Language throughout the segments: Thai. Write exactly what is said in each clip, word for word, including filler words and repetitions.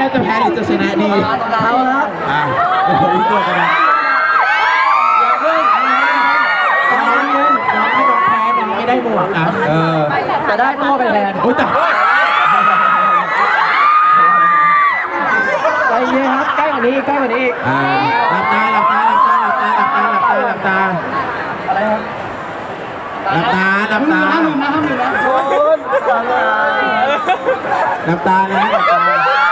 จะแพ้หรือจะชนะดีเอาละอ่ะอีกตัวกันนะน้องเงินน้องไม่น้องแพ้น้องไม่ได้หมวกนะเออแต่ได้ตัวไปแทนโอ้ยแต่ใจเย็นครับใกล้กว่านี้ใกล้กว่านี้อ่าหลับตาหลับตาหลับตาหลับตาหลับตาหลับตาหลับตาอะไรครับหลับตาหลับตาห้ามลืมนะห้ามลืมนะหลับตานะหลับตา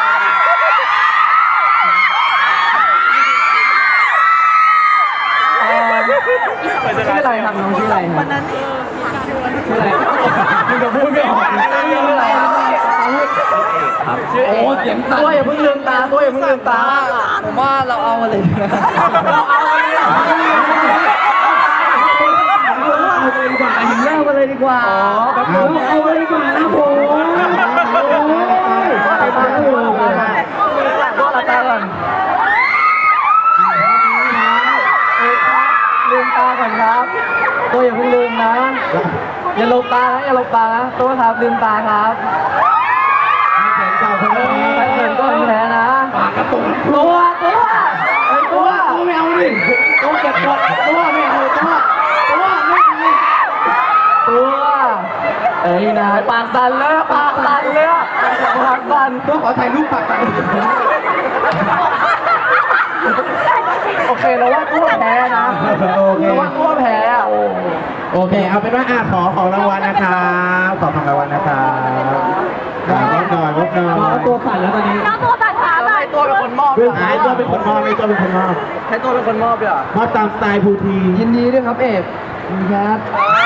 ชื่ออะไรครับน้องชื่ออะไรครับชื่ออะไรคุณจะพูดไม่ออกชื่ออะไรครับชื่อโอ้เสียงตัวอย่าเพิ่งลืมตาตัวอย่าเพิ่งลืมตาผมว่าเราเอามาเลยเราเอามาเลยเอาเลยดีกว่าหินเล่ามาเลยดีกว่าเอาเลยดีกว่านะผมอะไรบ้างอยู่ตัวละตาก่อนลืมตาก่อนครับตัวอย่าเพิ่งลืมนะอย่าหลบตานะอย่าหลบตานะตัวครับลืมตาครับไม่เขินเก่าคนนี้ไม่เขินก็แพ้นะปากกระตุกตัวตัวตัวตัวไม่เอาดิตัวเก็บกดตัวไม่เอาตัวตัวไม่เอาตัวเอ้ยนะปากสั่นเลยปากสั่นเลยปากสั่นตัวขอถ่ายรูปปากสั่นโอเคเราว่าตัวแพ้นะเราว่าตัวแพ้อะโอเคเอาเป็นว่าอ่ะขอของรางวัลนะครับขอของรางวัลนะครับวบหน่อยวบหน่อยน้องตัวสั่นแล้วตอนนี้น้องตัวสั่นขาให้ตัวเป็นคนมอบให้ตัวเป็นคนมอบให้ตัวเป็นคนมอบให้ตัวเป็นคนมอบด้วยมอบตามสไตล์ภูทียินดีด้วยครับเอกครับ